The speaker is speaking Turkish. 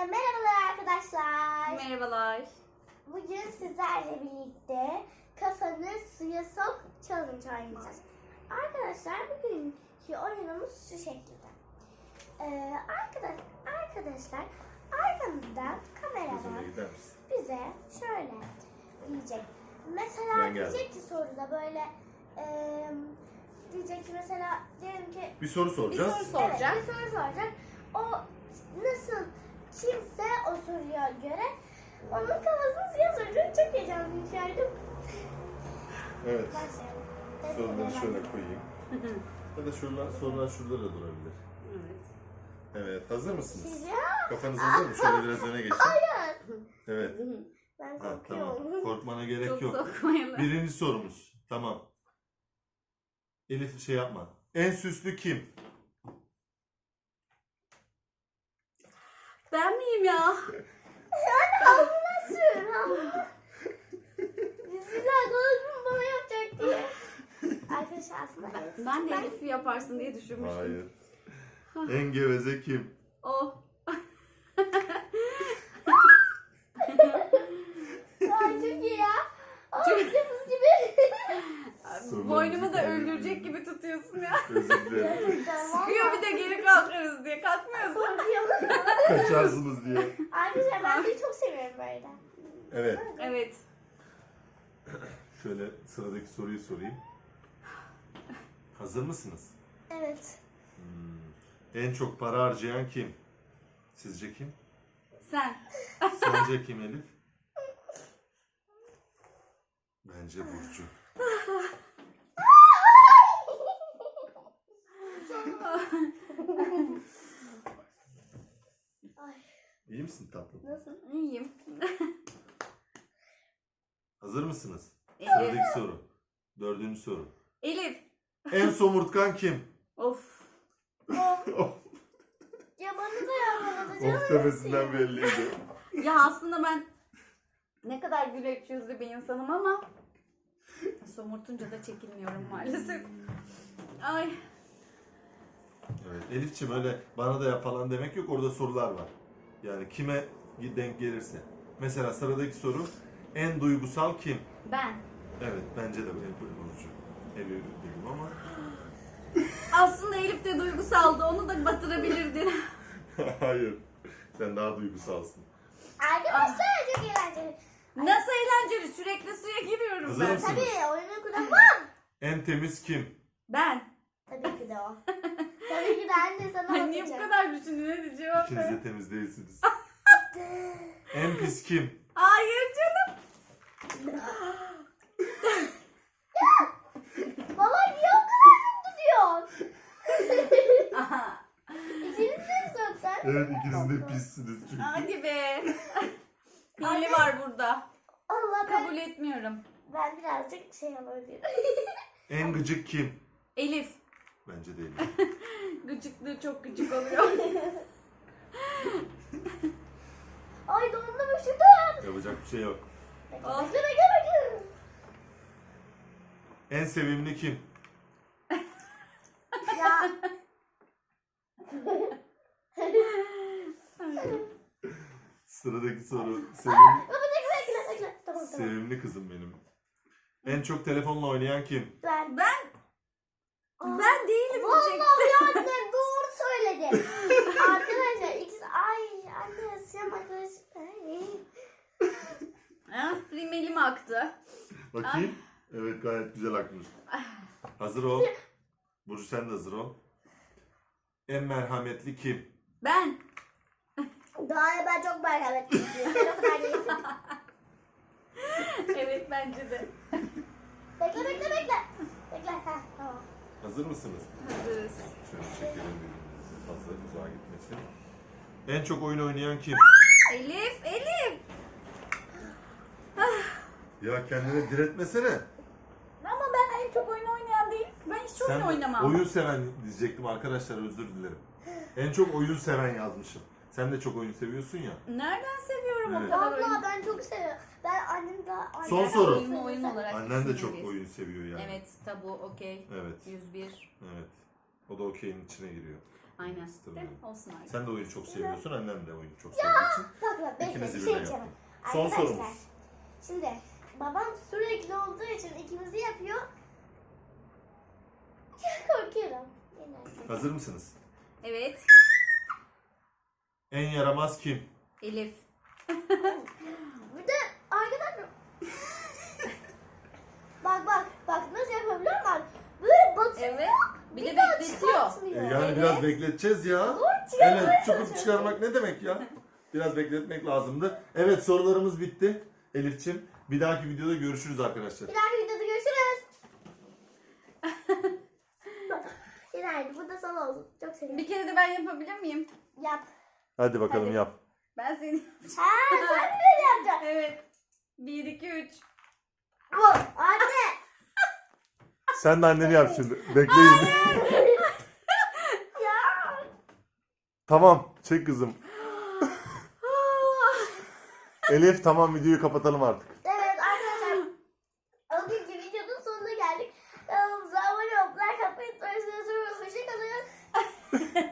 Merhabalar arkadaşlar. Merhabalar. Bugün sizlerle birlikte kafanı suya sok challenge oynayacağız. Arkadaşlar bugünkü oyunumuz şu şekilde. Arkadaşlar arkamızdan kameraman bize şöyle diyecek. Mesela diyecek ki soruda böyle diyecek ki mesela diyelim ki bir soru soracağız. Bir soru soracak. Evet, bir soru soracak. O nasıl kimse o soruya göre onun kafasını suya soracak. Çok heyecanlıyım şu an. Evet. Başlayalım. Soruları şöyle koyayım. Ya da sorular şurada da durabilir. Evet. Evet. Hazır mısınız? Siz ya? Kafanız hazır mı? Şöyle biraz öne geçin. Hayır. Evet. Ben Ha, korkuyorum. tamam. Korkmana gerek Çok yok. sokmayalım. Birinci sorumuz. Tamam. Elif şey yapma. En süslü kim? Ben miyim ya? Alnına sür. Alnına. Bismillah konuşma bana yapacak diye. Arkadaşlar aslında Ben de Elif'i yaparsın diye düşünmüştüm. Hayır. En geveze kim? O. Ay çok iyi ya. Ay kız gibi. Boynumu da öldürecek gibi tutuyorsun ya. Özür dilerim. Sıkıyor bir de geri kalkarız diye. Kalkmıyorsun. Korkuyorum. Kaçarsınız diye. Arkadaşlar ben seni çok seviyorum böyle. Evet. Evet. Şöyle sıradaki soruyu sorayım. Hazır mısınız? Evet. En çok para harcayan kim? Sizce kim? Sen. Sence kim Elif? Bence Burcu. Ay İyi misin tatlım? nasıl? İyiyim. Hazır mısınız? Elif. Sıradaki soru. Dördüncü soru. Elif. En somurtkan kim? Of. Ya bana da yapmadı. Of demesinden belliydi. Ya aslında ben ne kadar güleç yüzlü bir insanım ama somurtunca da çekinmiyorum maalesef. Ay. Evet, Elif'ciğim öyle bana da yap falan demek yok. Orada sorular var. Yani kime denk gelirse. Mesela sıradaki soru. En duygusal kim? Ben. Evet, bence de böyle Burcu. Elif dedim ama. Aslında Elif de duygusaldı. Onu da batırabilirdin. Hayır. Sen daha duygusalsın. Arkadaşlar çok eğlenceli. Nasıl eğlenceli. Sürekli suya giriyorum Hazır ben. mısın? Tabii oyunu kuramam. En temiz kim? Ben. Tabii ki de o. Tabii ki de anne sana Ay, niye bu bakacak. kadar düşündün? Hadi cevap İkiniz ver. de temiz değilsiniz. En pis kim? Hayır canım. Baba niye o kadar çok tutuyorsun? Aha. İkiniz de mi soksan? Evet, ikiniz de pissiniz çünkü. Hadi be. Hile var burada. Allah Kabul etmiyorum. ben birazcık şey yapabilirim. En gıcık kim? Elif. Bence değil. Gıcıklığı çok gıcık oluyor. Ay dondum üşüdüm. Yapacak bir şey yok. Oh. Bekle. En sevimli kim? Ya. Sıradaki soru. Baba bekle. Tamam. Sevimli kızım benim. En çok telefonla oynayan kim? Ben. Ben değilim diyecek. Vallahi annem doğru söyledi. Arkadaşlar ikisi anne siyam arkadaş. Ah, rimelim aktı. Bakayım. Evet, gayet güzel akmış. Hazır ol. Burcu sen de hazır ol. En merhametli kim? Ben. Daha ben çok merhametliyim. Sen o kadar değilsin. Evet bence de. Bekle. Bekle. Ha, tamam. Hazır mısınız? Hazırız. Şöyle çekelim birbirimizi. Fazla uzağa gitmesin. En çok oyun oynayan kim? Elif. Ya kendine diretmesene. Ama ben en çok oyun oynayan değil. Ben hiç oyun oynamam. oyun seven diyecektim arkadaşlar, özür dilerim. En çok oyun seven yazmışım. Sen de çok oyun seviyorsun ya. Nereden seviyorum Evet. o kadar oyun? Vallahi ben çok seviyorum. Ben annem daha... Son soru. Oyun olarak Annen de çok düşünmeliyiz. oyun seviyor yani. Evet tabu okey. Evet. 101. Evet. O da okeyin içine giriyor. Aynen. Kıstırmıyor. De, olsun artık. Sen de oyun çok seviyorsun, annem de oyun çok sevdiği için. Bak bekle İkinizi bir birden şey diyeceğim. yaptım. Son Arkadaşlar, sorumuz. Şimdi babam sürekli olduğu için ikimizi yapıyor. Korkuyorum. Yine. Hazır mısınız? Evet. En yaramaz kim? Elif. Bir de arkadaşlar bak nasıl yapabiliyor musun? Böyle batıyor. Evet. Bir de daha bekletiyor. çıkartmıyor. Yani Evet. biraz bekleteceğiz ya. Zor çıkarmaya Evet, çıkıp çalışıyorsun. çıkarmak ne demek ya? Biraz bekletmek lazımdı. Evet, sorularımız bitti. Elif'ciğim, bir dahaki videoda görüşürüz arkadaşlar. Bir dahaki videoda görüşürüz. Günaydın. Bu da sana olsun. Çok seviyorum. Bir kere de ben yapabilir miyim? Yap. Hadi bakalım Hadi. yap. Ben seni... Ha sen mi böyle yapacaksın? Evet. 1, 2, 3. Bu. Anne. Sen de anneni yap şimdi. Bekleyin. Ya. Tamam, çek kızım. Elif, tamam, videoyu kapatalım artık. Evet arkadaşlar. Bugünkü videonun sonuna geldik. Kanalımıza abone olup like atmayı unutmayın. Hoşçakalın.